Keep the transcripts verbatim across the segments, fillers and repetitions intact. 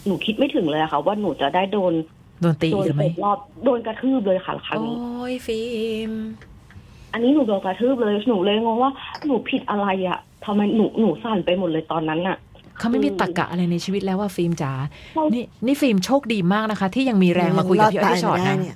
หนูคิดไม่ถึงเลยอะค่ะว่าหนูจะได้โดนโดนตีโดนหรือไม่ตบรอบโดนกระทืบเลยค่ะครั้งโอ้นี้ยฟิล์มอันนี้หนูโดนกระทืบเลยหนูเลยงงว่าหนูผิดอะไรอะทำไมหนูหนูสั่นไปหมดเลยตอนนั้นอะเขาไม่มีตรรกะอะไรในชีวิตแล้วว่าฟิล์มจ๋านี่นี่ฟิล์มโชคดีมากนะคะที่ยังมีแรงมาคุยกับพี่อ้อยพี่ชอตนะ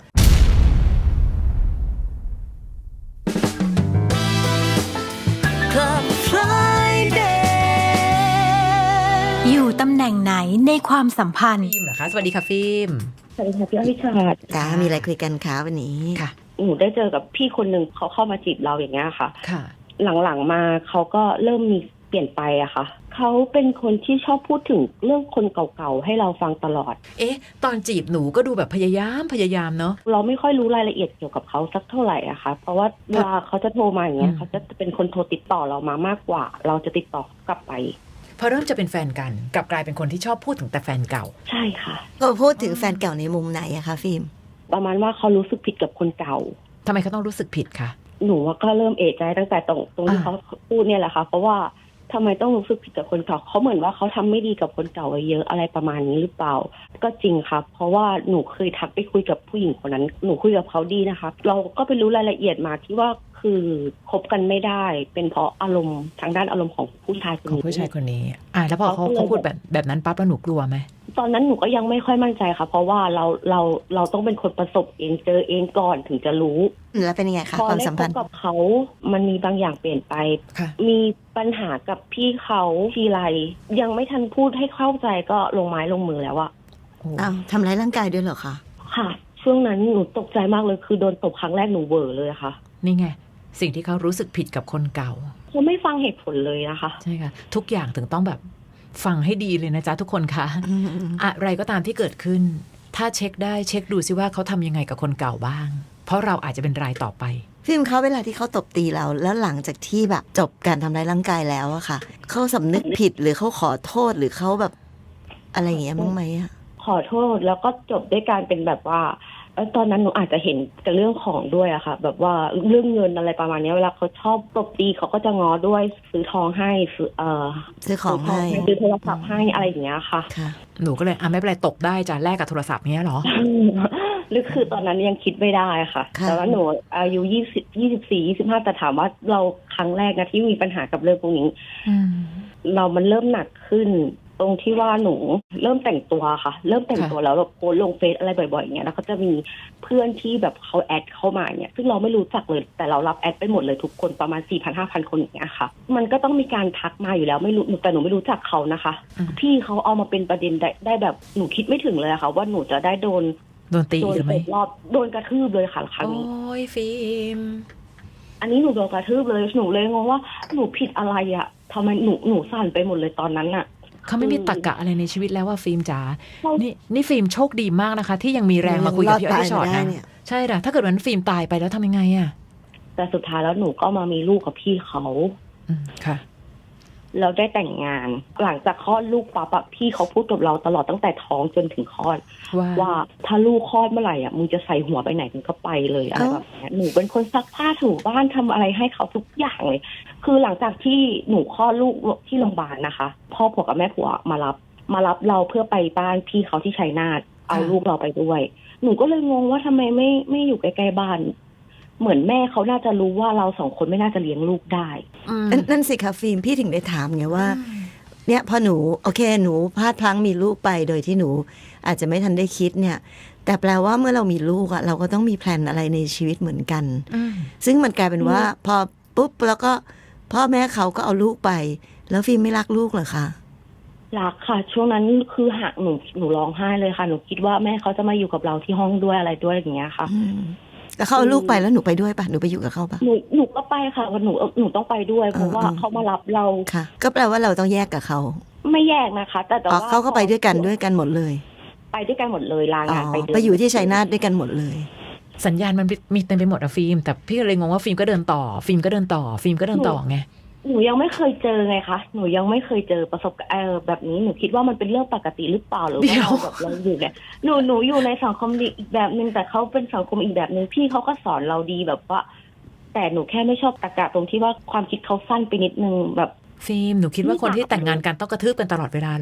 อยู่ตำแหน่งไหนในความสัมพันธ์ฟิล์มเหรอคะสวัสดีค่ะฟิล์มสวัสดีค่ะพี่อ้อยพี่ชอตจ้ามีอะไรคุยกันคะวันนี้ค่ะหนูได้เจอกับพี่คนหนึ่งเขาเข้ามาจีบเราอย่างเงี้ยค่ะค่ะหลังๆมาเขาก็เริ่มมีเปลี่ยนไปอะค่ะเขาเป็นคนที่ชอบพูดถึงเรื่องคนเก่าๆให้เราฟังตลอดเอ๊ะตอนจีบหนูก็ดูแบบพยายามพยายามเนาะเราไม่ค่อยรู้รายละเอียดเกี่ยวกับเขาสักเท่าไหร่อะค่ะเพราะว่าเวลาเขาจะโทรมาอย่างเงี้ยเขาจะเป็นคนโทรติดต่อเรามามากกว่าเราจะติดต่อกลับไปพอเริ่มจะเป็นแฟนกันกลับกลายเป็นคนที่ชอบพูดถึงแต่แฟนเก่าใช่ค่ะก็พูดถึงแฟนเก่าในมุมไหนอะคะฟิล์มประมาณว่าเขารู้สึกผิดกับคนเก่าทำไมเขาต้องรู้สึกผิดคะหนูว่าก็เริ่มเอะใจตั้งแต่ตรงตรงที่เขาพูดเนี่ยแหละค่ะเพราะว่าทำไมต้องรู้สึกผิดกับคนเก่าเขาเหมือนว่าเขาทำไม่ดีกับคนเก่าไว้เยอะอะไรประมาณนี้หรือเปล่าก็จริงครับเพราะว่าหนูเคยทักไปคุยกับผู้หญิงคนนั้นหนูคุยกับเขาดีนะคะเราก็ไปรู้รายละเอียดมาที่ว่าคือคบกันไม่ได้เป็นเพราะอารมณ์ทางด้านอารมณ์ของผู้ชายคนนี้ของผู้ชายคนนี้อ่าแล้วพอเขาเขาพูดแบบแบบนั้นปั๊บแล้วหนูกลัวไหมตอนนั้นหนูก็ยังไม่ค่อยมั่นใจค่ะเพราะว่าเราเราเราต้องเป็นคนประสบเองเจอเองก่อนถึงจะรู้แล้วเป็นยังไงคะความสัมพันธ์พอได้พบกับเขามันมีบางอย่างเปลี่ยนไปมีปัญหากับพี่เขาทีไรยังไม่ทันพูดให้เข้าใจก็ลงไม้ลงมือแล้วอะอ้าวทำร้ายร่างกายด้วยเหรอคะค่ะช่วงนั้นหนูตกใจมากเลยคือโดนตบครั้งแรกหนูเวอร์เลยค่ะนี่ไงสิ่งที่เขารู้สึกผิดกับคนเก่าเขาไม่ฟังเหตุผลเลยนะคะใช่ค่ะทุกอย่างถึงต้องแบบฟังให้ดีเลยนะจ๊ะทุกคนคะอะไรก็ตามที่เกิดขึ้นถ้าเช็คได้เช็คดูซิว่าเขาทำยังไงกับคนเก่าบ้างเพราะเราอาจจะเป็นรายต่อไปฟิล์มเขาเวลาที่เขาตบตีเราแล้วหลังจากที่แบบจบการทำร้ายร่างกายแล้วอะค่ะเขาสำนึกผิดหรือเขาขอโทษหรือเขาแบบอะไรอย่างเงี้ยมั้งไหมอะขอโทษแล้วก็จบด้วยการเป็นแบบว่าตอนนั้นหนูอาจจะเห็นกับเรื่องของด้วยอะค่ะแบบว่าเรื่องเงินอะไรประมาณนี้เวลาเขาชอบตบตีเขาก็จะง้อด้วยซื้อทองให้ซื้อเอ่อซื้อของให้ซื้อโทรศัพท์ให้อะไรอย่างเงี้ยค่ะหนูก็เลยอ่ะไม่เป็นไรตบได้จ้ะแลกกับโทรศัพท์เงี้ยหรอหรือคือตอนนั้นยังคิดไม่ได้ค่ะแต่ว่าหนูอายุยี่สิบยี่สิบสี่ยี่สิบห้าแต่ถามว่าเราครั้งแรกนะที่มีปัญหากับเรื่องพวกนี้เรามันเริ่มหนักขึ้นตรงที่ว่าหนูเริ่มแต่งตัวค่ะเริ่มแต่งตัวแล้วแบบโพสลงเฟซอะไรบ่อยๆอย่างเงี้ยแล้วก็จะมีเพื่อนที่แบบเขาแอดเข้ามาเนี่ยซึ่งเราไม่รู้จักเลยแต่เรารับแอดไปหมดเลยทุกคนประมาณ สี่พัน ห้าพัน คนอย่างเงี้ยค่ะมันก็ต้องมีการทักมาอยู่แล้วไม่รู้แต่หนูไม่รู้จักเขานะคะพี่เขาเอามาเป็นประเด็นได้ได้แบบหนูคิดไม่ถึงเลยค่ะว่าหนูจะได้โดนโดนตีหรือไม่รอบโดนกระทืบเลยค่ะครั้งนี้โอ้ยฟิล์มอันนี้หนูโดนกระทืบเลยหนูเลยงงว่าหนูผิดอะไรอะทำไมหนูหนูสั่นไปหมดเลยตอนนั้นอะเขาไม่มีตรรกะอะไรในชีวิตแล้วว่าฟิล์มจ๋านี่นี่ฟิล์มโชคดีมากนะคะที่ยังมีแรงมาคุยกับพี่อ้อยพี่ชอตนะใช่ด่ะถ้าเกิดวันฟิล์มตายไปแล้วทำยังไงอะแต่สุดท้ายแล้วหนูก็มามีลูกกับพี่เขาค่ะเราได้แต่งงานหลังจากคลอดลูกปั๊บพี่เขาพูดกับเราตลอดตั้งแต่ท้องจนถึงคลอดว่าถ้าลูกคลอดเมื่อไหร่อ่ะมึงจะใส่หัวไปไหนมึงก็ไปเลยอะไรแบบนี้หนูเป็นคนซักผ้าถูบ้านทำอะไรให้เขาทุกอย่างเลยคือหลังจากที่หนูคลอดลูกที่โรงพยาบาลนะคะพ่อผัวกับแม่ผัวมารับมารับเราเพื่อไปบ้านพี่เขาที่ชัยนาทเอาลูกเราไปด้วยหนูก็เลยงงว่าทำไมไม่ไม่อยู่ใกล้ๆบ้านเหมือนแม่เขาน่าจะรู้ว่าเราสองคนไม่น่าจะเลี้ยงลูกได้นั่นสิคะฟิล์มพี่ถึงได้ถามไงว่าเนี่ยพอหนูโอเคหนูพลาดพลั้งมีลูกไปโดยที่หนูอาจจะไม่ทันได้คิดเนี่ยแต่แปลว่าเมื่อเรามีลูกอะเราก็ต้องมีแพลนอะไรในชีวิตเหมือนกันซึ่งมันกลายเป็นว่าพอปุ๊บแล้วก็พ่อแม่เขาก็เอาลูกไปแล้วฟิล์มไม่รักลูกเหรอคะรักค่ะช่วงนั้นคือหักหนูหนูร้องไห้เลยค่ะหนูคิดว่าแม่เขาจะมาอยู่กับเราที่ห้องด้วยอะไรด้วยอย่างเงี้ยค่ะแล้วเขาเอาลูกไปแล้วหนูไปด้วยปะหนูไปอยู่กับเขาปะหนูหนูก็ไปค่ะหนูหนูต้องไปด้วยเพราะว่าเขามารับเราค่ะก็แปลว่าเราต้องแยกกับเขาไม่แยกนะคะแต่แต่ว่าเขาก็ไปด้วยกันด้วยกันหมดเลยไปด้วยกันหมดเลยลางานไปไปอยู่ที่ชัยนาทด้วยกันหมดเลยสัญญาณมันมีเต็มไปหมดอะฟิล์มแต่พี่เลยงงว่าฟิล์มก็เดินต่อฟิล์มก็เดินต่อฟิล์มก็เดินต่อไงหนูยังไม่เคยเจอไงคะหนูยังไม่เคยเจอประสบการณ์แบบนี้หนูคิดว่ามันเป็นเรื่องปกติหรือเปล่าหรือว่าเราแบบเราอยู่เนี่ยหนูหนูอยู่ในสังคมอีกแบบนึงแต่เขาเป็นสังคมอีกแบบนึงพี่เขาก็สอนเราดีแบบว่าแต่หนูแค่ไม่ชอบตรรกะตรงที่ว่าความคิดเขาสั้นไปนิดนึงแบบฟิล์มหนูคิดว่าคนที่แต่งงานกันต้องกระทืบกันตลอดเวลาหรอ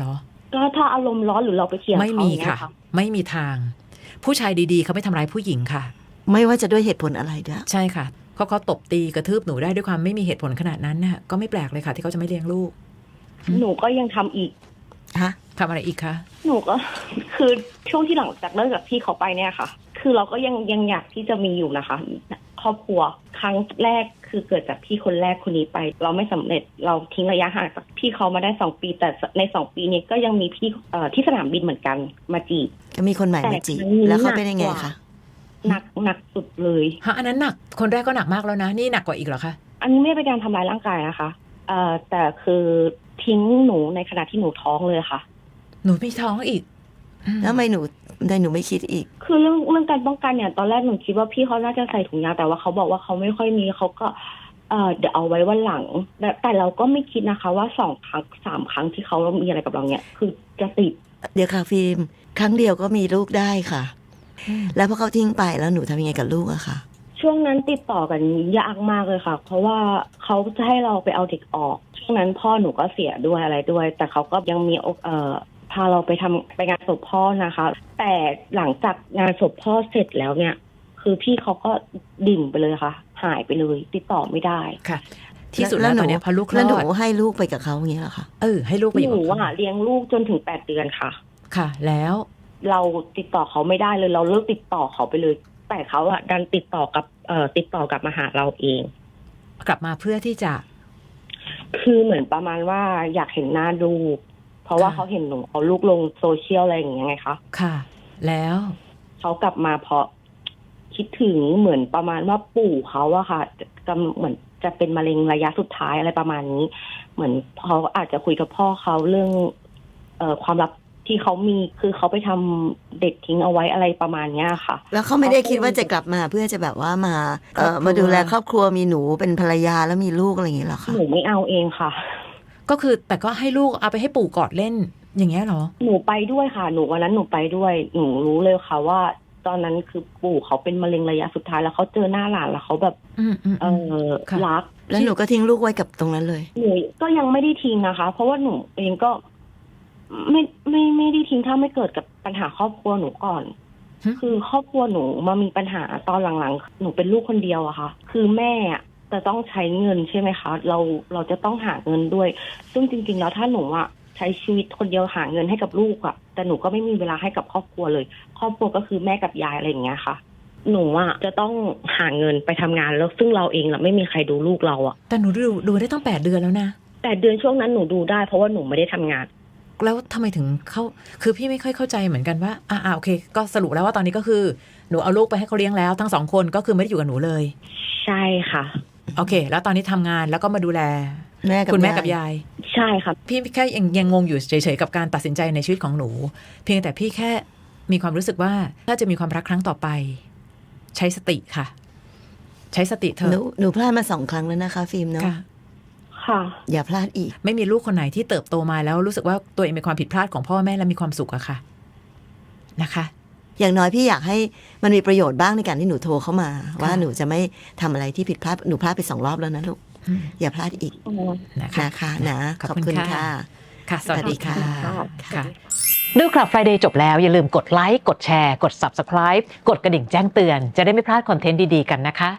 ก็ถ้าอารมณ์ร้อนหรือเราไปเถียงไม่เขามีอย่างเงี้ค่ะยค่ะไม่มีทาง ผู้ชายดีๆเขาไม่ทำร้ายผู้หญิงค่ะไม่ว่าจะด้วยเหตุผลอะไรด้วยใช่ค่ะเขาเขาตบตีกระทืบหนูได้ด้วยความไม่มีเหตุผลขนาดนั้นน่ะก็ไม่แปลกเลยค่ะที่เขาจะไม่เลี้ยงลูกหนูก็ยังทำอีกฮะทำอะไรอีกคะหนูก็ คือช่วงที่หลังจากเลิกกับพี่เขาไปเนี่ยค่ะ คือเราก็ยังยังอยากที่จะมีอยู่นะคะ ครอบครัวครั้งแรกคือเกิดจากพี่คนแรกคนนี้ไป เราไม่สำเร็จเราทิ้งระยะห่างจากพี่เขามาได้สองปี แต่ในสองปีนี้ก็ยังมีพี่เอ่อที่สนามบินเหมือนกันมาจีบก็มีคนใหม่มาจีบแต่ครั้งนี้แล้วเขาเป็นยังไงหนักกคะว่า หนักหนักสุดเลยฮะอันนั้นหนักคนแรกก็หนักมากแล้วนะนี่หนักกว่าอีกเหรอคะอันนี้ไม่เป็นการทำร้ายร่างกายนะคะเอ่อแต่คือทิ้งหนูในขณะที่หนูท้องเลยค่ะหนูมีท้องอีกอืมแล้วทำไมหนูทำไมหนูไม่คิดอีกคือเรื่องเรื่องการป้องกันเนี่ยตอนแรกหนูคิดว่าพี่เขาน่าจะใส่ถุงยางแต่ว่าเขาบอกว่าเขาไม่ค่อยมีเขาก็เอ่อเดี๋ยวเอาไว้วันหลังแต่แต่เราก็ไม่คิดนะคะว่าสองครั้งสามครั้งที่เขามีอะไรกับเราเนี่ยคือจะติดเดี๋ยวค่ะฟิล์มครั้งเดียวก็มีลูกได้ค่ะ แล้วพอเขาทิ้งไปแล้วหนูทำยังไงกับลูกอะคะช่วงนั้นติดต่อกันยากมากเลยค่ะ เพราะว่าเขาจะให้เราไปเอาเด็กออกช่วงนั้นพ่อหนูก็เสียด้วยอะไรด้วย แต่เขาก็ยังมีเอ่อพาเราไปทำไปงานศพพ่อนะคะ แต่หลังจากงานศพพ่อเสร็จแล้วเนี่ย คือพี่เขาก็ดิ่งไปเลยค่ะ หายไปเลยติดต่อไม่ได้ค่ะ ที่สุดแล้วตอนเนี้ยพอลูกคลแล้วหนูอดให้ลูกไปกับเขาอย่างเงี้ยเหรอคะเออให้ลูกไปอหยู่นูกับเขาอ่ะเลี้ยงลูกจนถึงแปดเดือนค่ะค่ะ แล้วเราติดต่อเขาไม่ได้เลยเราเลิกติดต่อเขาไปเลย แต่เขาอะดันติดต่อกับเอ่อติดต่อกลับมาหาเราเองกลับมาเพื่อที่จะคือเหมือนประมาณว่าอยากเห็นหน้าลูกเพราะว่าค่ะเขาเห็นหนูเอาลูกลงโซเชียลอะไรอย่างเงี้ยไงคะค่ะ แล้วเขากลับมาเพราะคิดถึงเหมือนประมาณว่าปู่เขาอะค่ะกำเหมือนจะเป็นมะเร็งระยะสุดท้ายอะไรประมาณนี้ เหมือนเขาอาจจะคุยกับพ่อเขาเรื่อง เอ่อความลับที่เขามีคือเขาไปทำเด็กทิ้งเอาไว้อะไรประมาณเนี้ยค่ะแล้วเขาไม่ได้คิดว่าจะกลับมาเพื่อจะแบบว่ามาเอ่อมาดูแลครอบครัวมีหนูเป็นภรรยาแล้วมีลูกอะไรอย่างเงี้ยเหรอคะหนูไม่เอาเองค่ะก็คือแต่ก็ให้ลูกเอาไปให้ปู่กอดเล่นอย่างเงี้ยเหรอหนูไปด้วยค่ะ หนูวันนั้นหนูไปด้วย หนูรู้เลยค่ะว่า ตอนนั้นคือปู่เขาเป็นมะเร็งระยะสุดท้ายแล้วเขาเจอหน้าหลานแล้วเขาแบบอืมอืมเออืมอค่ะรักแล้วหนูก็ทิ้งลูกไว้กับตรงนั้นเลยหนูก็ยังไม่ได้ทิ้งนะคะ เพราะว่าหนูเองก็ไม่ไม่ไม่ได้ทิ้งถ้าไม่เกิดกับปัญหาครอบครัวหนูก่อน คือครอบครัวหนูมามีปัญหาตอนหลังๆ หนูเป็นลูกคนเดียวอะค่ะ คือแม่อะจะต้องใช้เงินใช่ไหมคะ เราเราจะต้องหาเงินด้วย ซึ่งจริงๆแล้วถ้าหนูอะใช้ชีวิตคนเดียวหาเงินให้กับลูกอะแต่หนูก็ไม่มีเวลาให้กับครอบครัวเลย ครอบครัวก็คือแม่กับยายอะไรอย่างเงี้ยค่ะ หนูอะจะต้องหาเงินไปทำงานแล้วซึ่งเราเองอะไม่มีใครดูลูกเราอะแต่หนูดูดูได้ตั้งแปดเดือนแล้วนะแต่เดือนช่วงนั้นหนูดูได้เพราะว่าหนูไม่ได้ทำงานแล้วทำไมถึงเข้าคือพี่ไม่ค่อยเข้าใจเหมือนกันว่าอ่าอ่าโอเค ก็สรุปแล้วว่าตอนนี้ก็คือหนูเอาลูกไปให้เขาเลี้ยงแล้วทั้งสองคนก็คือไม่ได้อยู่กับหนูเลยใช่ค่ะโอเค แล้วตอนนี้ทำงานแล้วก็มาดูแลแม่กับคุณแม่ยายกับยายใช่ค่ะพี่แค่ยังยังงงอยู่เฉยๆกับการตัดสินใจในชีวิตของหนู เพียงแต่พี่แค่มีความรู้สึกว่าถ้าจะมีความรักครั้งต่อไป ใช้สติค่ะ ใช้สติเถหนูอะหนูพลาดมาสองครั้งแล้วนะคะฟิล์มเนาะค่ะค่ะอย่าพลาดอีกไม่มีลูกคนไหนที่เติบโตมาแล้วรู้สึกว่าตัวเองเป็นความผิดพลาดของพ่อแม่และมีความสุขอะค่ะนะคะอย่างน้อยพี่อยากให้มันมีประโยชน์บ้างในการที่หนูโทรเข้ามา ว่าหนูจะไม่ทำอะไรที่ผิดพลาดหนูพลาดไปสองรอบแล้วนะลูกอืมอย่าพลาดอีกนะคะนะคะนะขอบคุณค่ะ ค่ะ สวัสดีค่ะสวัสดีค่ะค่ะดูคลับ Friday จบแล้วอย่าลืมกดไลค์กดแชร์กด Subscribe กดกระดิ่งแจ้งเตือนจะได้ไม่พลาดคอนเทนต์ดีๆกันนะคะ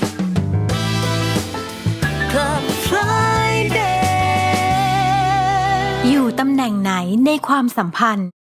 Club Friday อยู่ตำแหน่งไหนในความสัมพันธ์